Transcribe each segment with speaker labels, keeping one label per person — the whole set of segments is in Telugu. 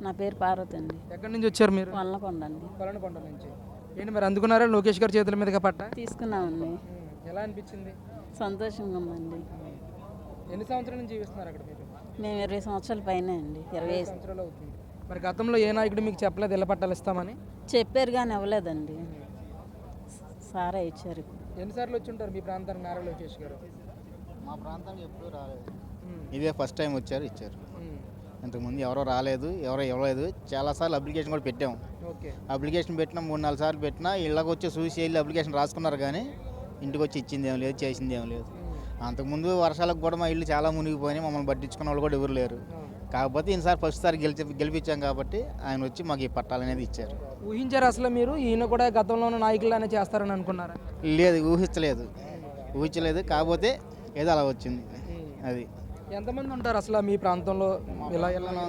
Speaker 1: నా పేరు పార్వతి అండి.
Speaker 2: ఎక్కడి నుంచి వచ్చారు మీరు?
Speaker 1: వల్లకొండ అండి.
Speaker 2: కొలనకొండ నుంచి. ఏంటి మరి అందుకున్నారా లోకేష్ గారి చేతుల మీదుగా పట్ట?
Speaker 1: తీసుకున్నామండి.
Speaker 2: ఎలా అనిపించింది?
Speaker 1: సంతోషంగా ఉందండి.
Speaker 2: ఎన్ని సంవత్సరాల నుంచి జీవిస్తున్నారు అక్కడ మీరు?
Speaker 1: మేము 20 సంవత్సరాల పైనే అండి. 25
Speaker 2: సంవత్సరాలు అవుతుంది. మరి గతంలో ఏ నాయకుడు మీకు చెప్పలేదు ఇళ్ళ పట్టాలు ఇస్తామని?
Speaker 1: చెప్పారు కానీ ఇవ్వలేదండి. సారే ఇచ్చారు.
Speaker 2: ఎన్నిసార్లు వచ్చి ఉంటారు మీ ప్రాంతానికి నారా లోకేష్ గారు?
Speaker 3: మా ప్రాంతానికి ఎప్పుడూ రాలేదు. ఇదే ఫస్ట్ టైం వచ్చారు, ఇచ్చారు. ఇంతకుముందు ఎవరో రాలేదు, ఎవరో ఇవ్వలేదు. చాలాసార్లు అప్లికేషన్ కూడా పెట్టాము.
Speaker 2: ఓకే.
Speaker 3: అప్లికేషన్ పెట్టినా 3-4 సార్లు పెట్టినా ఇళ్ళకి వచ్చి చూసి వెళ్ళి అప్లికేషన్ రాసుకున్నారు కానీ ఇంటికి వచ్చి ఇచ్చింది ఏం లేదు, చేసింది ఏం లేదు. అంతకుముందు వర్షాలకు కూడా మా ఇల్లు చాలా మునిగిపోయినాయి, మమ్మల్ని పట్టించుకున్న వాళ్ళు కూడా ఎవరు లేరు. కాకపోతే ఈసారి ఫస్ట్ సారి గెలిపించాం కాబట్టి ఆయన వచ్చి మాకు ఈ పట్టాలు అనేది ఇచ్చారు.
Speaker 2: ఊహించారు అసలు మీరు ఈయన కూడా గతంలో ఉన్న నాయకులనే చేస్తారని అనుకున్నారా?
Speaker 3: లేదు, ఊహించలేదు. కాకపోతే ఏదో అలా వచ్చింది. అది
Speaker 2: ఎంతమంది ఉంటారు అసలు మీ ప్రాంతంలో? ఇలా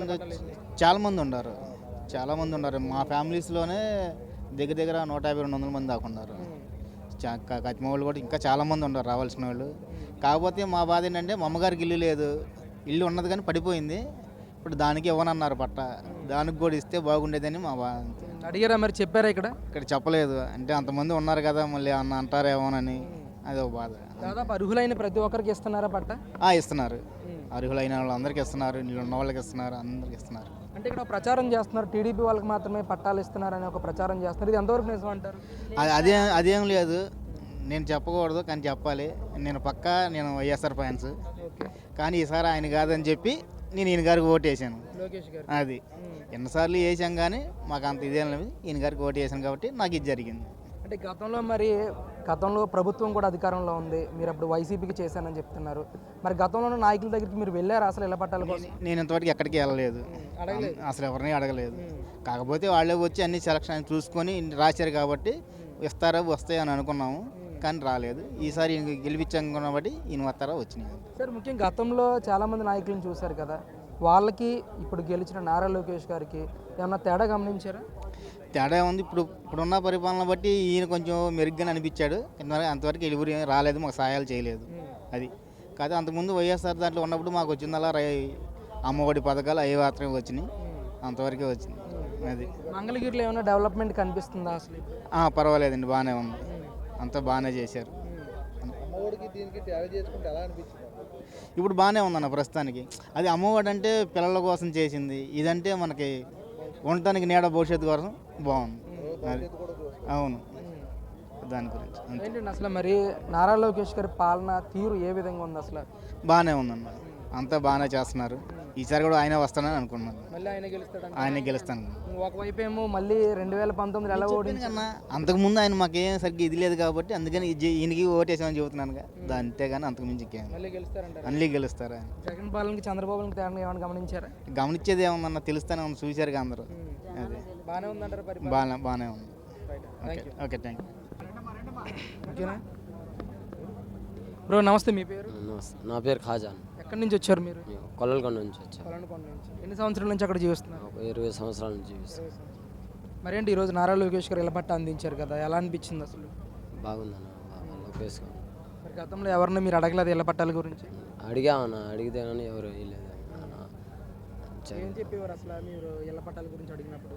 Speaker 3: చాలామంది ఉన్నారు. మా ఫ్యామిలీస్లోనే దగ్గర 150-200 మంది దాకా ఉన్నారు. కత్తిమ వాళ్ళు కూడా ఇంకా చాలామంది ఉన్నారు రావాల్సిన వాళ్ళు. కాకపోతే మా బాధ ఏంటంటే మా అమ్మగారికి ఇల్లు లేదు, ఇల్లు ఉన్నది కానీ పడిపోయింది. ఇప్పుడు దానికి ఇవ్వనన్నారు పట్ట, దానికి కూడా ఇస్తే బాగుండేదని మా బాధ.
Speaker 2: అడిగారా మరి? చెప్పారా? ఇక్కడ
Speaker 3: చెప్పలేదు. అంటే అంతమంది ఉన్నారు కదా, మళ్ళీ అన్న అంటారేమోనని అది ఒక బాధ.
Speaker 2: దాదాపు అర్హులైన ప్రతి ఒక్కరికి ఇస్తున్నారా పట్ట?
Speaker 3: ఇస్తున్నారు. అర్హులైన వాళ్ళందరికీ ఇస్తున్నారు, నీళ్ళు ఉన్న వాళ్ళకి ఇస్తున్నారు, అందరికి ఇస్తున్నారు.
Speaker 2: అంటే ఇక్కడ ప్రచారం చేస్తున్నారు, టీడీపీ వాళ్ళకి మాత్రమే పట్టాలు ఇస్తున్నారని ఒక ప్రచారం చేస్తున్నారు. ఇది ఎంతవరకు నిజం అంటారు?
Speaker 3: అదేం లేదు, నేను చెప్పకూడదు కానీ చెప్పాలి. నేను వైఎస్ఆర్ ఫ్యాన్స్. కానీ ఈసారి ఆయన కాదని చెప్పి నేను ఈయన గారికి ఓటు వేసాను.
Speaker 2: లోకేష్ గారు
Speaker 3: అది ఎన్నిసార్లు వేసాం కానీ మాకు అంత ఇదేం లేదు. ఈయన గారికి ఓటు వేసాను కాబట్టి నాకు ఇది జరిగింది.
Speaker 2: అంటే గతంలో ప్రభుత్వం కూడా అధికారంలో ఉంది, మీరు అప్పుడు వైసీపీకి చేశానని చెప్తున్నారు. మరి గతంలో ఉన్న నాయకుల దగ్గరికి మీరు వెళ్ళారు అసలు ఇళ్ళ పట్టాల కోసం?
Speaker 3: నేను ఇంతవరకు ఎక్కడికి వెళ్ళలేదు, అసలు ఎవరిని అడగలేదు. కాకపోతే వాళ్ళే వచ్చి అన్ని సెలక్షన్ చూసుకొని రాశారు కాబట్టి వస్తాయని అనుకున్నాము, కానీ రాలేదు. ఈసారి గెలిపించాం కాబట్టి ఈయన వస్తారా వచ్చినాయి.
Speaker 2: సార్, ముఖ్యంగా గతంలో చాలామంది నాయకులను చూశారు కదా, వాళ్ళకి ఇప్పుడు గెలిచిన నారా లోకేష్ గారికి ఏమన్నా తేడా గమనించారా?
Speaker 3: తేడా ఉంది. ఇప్పుడున్న పరిపాలన బట్టి ఈయన కొంచెం మెరుగ్గానే అనిపించాడు. అంతవరకు ఎవరు రాలేదు, మాకు సహాయాలు చేయలేదు. అది కాదు, అంతకుముందు వైఎస్ఆర్ దాంట్లో ఉన్నప్పుడు మాకు వచ్చిందలా అమ్మఒడి పథకాలు అవి మాత్రమే వచ్చినాయి, అంతవరకే వచ్చింది. అది
Speaker 2: మంగళగిరిలో ఏమైనా డెవలప్మెంట్ కనిపిస్తుందా అసలు?
Speaker 3: పర్వాలేదండి, బాగానే ఉంది, అంతా బాగానే చేశారు. ఇప్పుడు బాగానే ఉందన్న ప్రస్తుతానికి. అది అమ్మఒడి అంటే పిల్లల కోసం చేసింది, ఇదంటే మనకి ఉండటానికి నీడ భవిష్యత్తు కోసం బాగుంది. అది అవును, దాని గురించి
Speaker 2: ఏంటండి అసలు మరి నారా లోకేష్ గారి పాలన తీరు ఏ విధంగా ఉంది అసలు?
Speaker 3: బాగానే ఉందన్న, అంతా బాగానే చేస్తున్నారు. ఈసారి కూడా ఆయన వస్తానని అనుకున్నాను.
Speaker 2: మళ్ళీ ఆయన
Speaker 3: గెలుస్తాను.
Speaker 2: ఒకవైపు ఏమో మళ్ళీ 2019 ఎలా ఓడింది
Speaker 3: కన్నా అంతకుముందు ఆయన మాకేం సరిగ్గా ఇది లేదు కాబట్టి అందుకని ఈయనకి ఓటేసామని చెబుతున్నాను. అంతే కానీ అంతకుమించి మళ్ళీ గెలుస్తారు.
Speaker 2: జగన్ పాలనకి చంద్రబాబుకి తేడా ఏమైనా గమనించారా?
Speaker 3: గమనించేది ఏమన్నా తెలుస్తానే ఉంది, చూశారు అందరూ. అది
Speaker 2: బాగానే ఉందంటారు?
Speaker 3: బాగానే ఉంది. Okay, thank you.
Speaker 2: ఓకేనా బ్రో? నమస్తే, మీ పేరు?
Speaker 4: నా పేరు ఖాజాన్.
Speaker 2: ఎక్కడి నుంచి వచ్చారు మీరు?
Speaker 4: కొల్లలకొండ నుంచి వచ్చాను.
Speaker 2: కొలనుకొండ నుంచి. ఎన్ని సంవత్సరాల నుంచి అక్కడ జీవిస్తున్నారు?
Speaker 4: 20 సంవత్సరాల నుంచి జీవిస్తాను.
Speaker 2: మరేంటి ఈరోజు నారా లోకేష్ గారు ఇళ్ళ పట్ట అందించారు కదా, ఎలా అనిపించింది అసలు?
Speaker 4: బాగుందన్న, లోకేష్ గారు.
Speaker 2: మరి గతంలో ఎవరిని మీరు అడగలేదు ఇళ్ళ పట్టాల గురించి?
Speaker 4: అడిగామన్నా, అడిగితే కానీ ఎవరు వేయలేదు.
Speaker 2: ఏం చెప్పేవారు అసలు మీరు ఇళ్ళ పట్టాల గురించి అడిగినప్పుడు?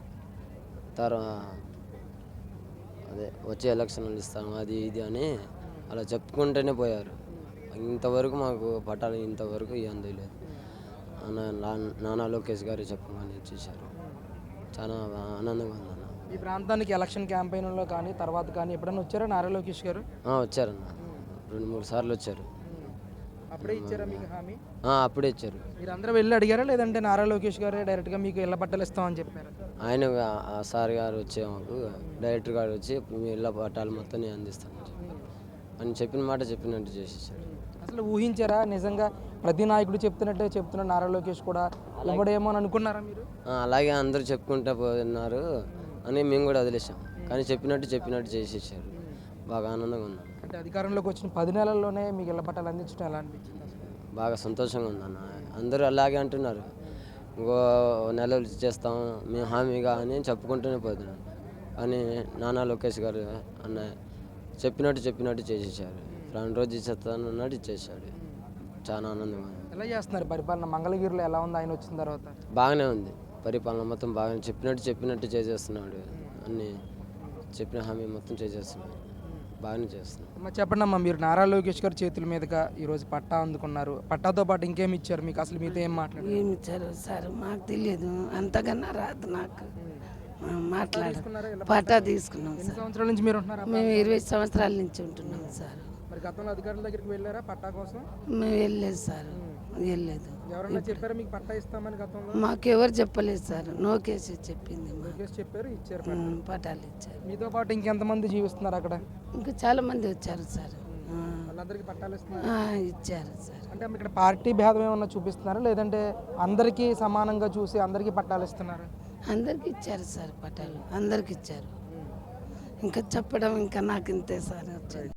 Speaker 4: అదే వచ్చే ఎలక్షన్లు ఇస్తాను అది ఇది అని అలా చెప్పుకుంటూనే పోయారు. ఇంతవరకు మాకు పట్టాలు ఇంతవరకు అందలేదు. నానా లోకేష్ గారు చెప్పమని ఇచ్చేసారు. చాలా ఆనందంగా ఉందన్న.
Speaker 2: ఈ ప్రాంతానికి ఎలక్షన్ క్యాంపెయిన్లో కానీ తర్వాత కానీ ఎప్పుడైనా వచ్చారా నారా లోకేష్ గారు?
Speaker 4: వచ్చారన్న, 2-3 సార్లు వచ్చారు.
Speaker 2: అప్పుడే ఇచ్చారా మీకు హామీ?
Speaker 4: అప్పుడే ఇచ్చారు.
Speaker 2: మీరు అందరూ వెళ్ళి అడిగారా, లేదంటే నారా లోకేష్ గారే డైరెక్ట్గా మీకు ఇళ్ళ పట్టాలు ఇస్తామని చెప్పారు?
Speaker 4: ఆయన సార్ గారు వచ్చే మాకు డైరెక్టర్ గారు వచ్చి మీ ఇళ్ళ పట్టాలు మొత్తం నేను అందిస్తాను అని చెప్పిన మాట చెప్పినట్టు చేసేసారు.
Speaker 2: అసలు ఊహించారా నిజంగా ప్రతి నాయకుడు చెప్తున్నట్టే చెప్తున్నారు నారా లోకేష్ కూడా ఇవ్వడేమో అని అనుకున్నారా మీరు?
Speaker 4: అలాగే అందరూ చెప్పుకుంటూ పోతున్నారు అని మేము కూడా వదిలేసాం, కానీ చెప్పినట్టు చేసేసారు. బాగా ఆనందంగా ఉంది.
Speaker 2: అంటే అధికారంలోకి వచ్చిన 10 నెలల్లోనే మీకు ఇళ్ళ పట్టాలు అందించడం ఎలా అనిపించింది?
Speaker 4: బాగా సంతోషంగా ఉందన్న. అందరూ అలాగే అంటున్నారు, ఇంకో నెలలు ఇచ్చేస్తాం మేము హామీగా అని చెప్పుకుంటూనే పోతున్నాం. కానీ నానా లోకేష్ గారు అన్న చెప్పినట్టు చేసేసారు. 2 రోజు ఇచ్చేస్తాను అన్నట్టు ఇచ్చేసాడు. చాలా ఆనందంగా ఉంది.
Speaker 2: ఎలా చేస్తున్నారు పరిపాలన? మంగళగిరిలో ఎలా ఉంది ఆయన వచ్చిన తర్వాత?
Speaker 4: బాగానే ఉంది, పరిపాలన మొత్తం బాగా చెప్పినట్టు చేసేస్తున్నాడు. అన్ని చెప్పిన హామీ మొత్తం చేసేస్తున్నాడు, బాగానే చేస్తున్నాడు.
Speaker 2: అమ్మ చెప్పండి అమ్మా, మీరు నారా లోకేష్ గారి చేతుల మీదుగా ఈరోజు పట్టా అందుకున్నారు. పట్టాతో పాటు ఇంకేమి ఇచ్చారు మీకు? అసలు మీతో ఏం మాట్లాడారు?
Speaker 5: ఏమి ఇచ్చారు సార్ మాకు తెలియదు, అంతకన్నా రాదు నాకు మాట్లాడు. పట్టా తీసుకున్నాం
Speaker 2: ఎన్ని
Speaker 5: సార్.
Speaker 2: సంవత్సరాల నుంచి మీరు ఉంటున్నారా?
Speaker 5: మేము 20 సంవత్సరాల నుంచి ఉంటున్నాం సార్.
Speaker 2: మరి గతంలో అధికారుల దగ్గరికి వెళ్ళారా పట్టా కోసం?
Speaker 5: మేము వెళ్ళలేదు సార్, వెళ్ళలేదు.
Speaker 2: ఎవరన్నా చెప్పారా మీకు పట్టా ఇస్తామని గతంలో?
Speaker 5: మాకెవరు చెప్పలేదు సార్, లోకేష్ చెప్పింది మాకు.
Speaker 2: లోకేష్ చెప్పారు, ఇచ్చారు పట్టా.
Speaker 5: పట్టాలు ఇచ్చారు.
Speaker 2: మీతో పాటు ఇంకెంతమంది జీవిస్తున్నారు అక్కడ?
Speaker 5: ఇంకా చాలా మంది వచ్చారు సార్.
Speaker 2: వాళ్ళందరికీ పట్టాలు ఇస్తున్నారు.
Speaker 5: ఇచ్చారు సార్.
Speaker 2: అంటే ఇక్కడ పార్టీ భేదం ఏమన్నా చూపిస్తున్నారా, లేదంటే అందరికీ సమానంగా చూసి అందరికీ పట్టాలు ఇస్తున్నారు?
Speaker 5: అందరికి ఇచ్చారు సార్, పట్టాలు అందరికి ఇచ్చారు. ఇంకా చెప్పడం ఇంకా నాకు ఇంతే సార్ వచ్చేది.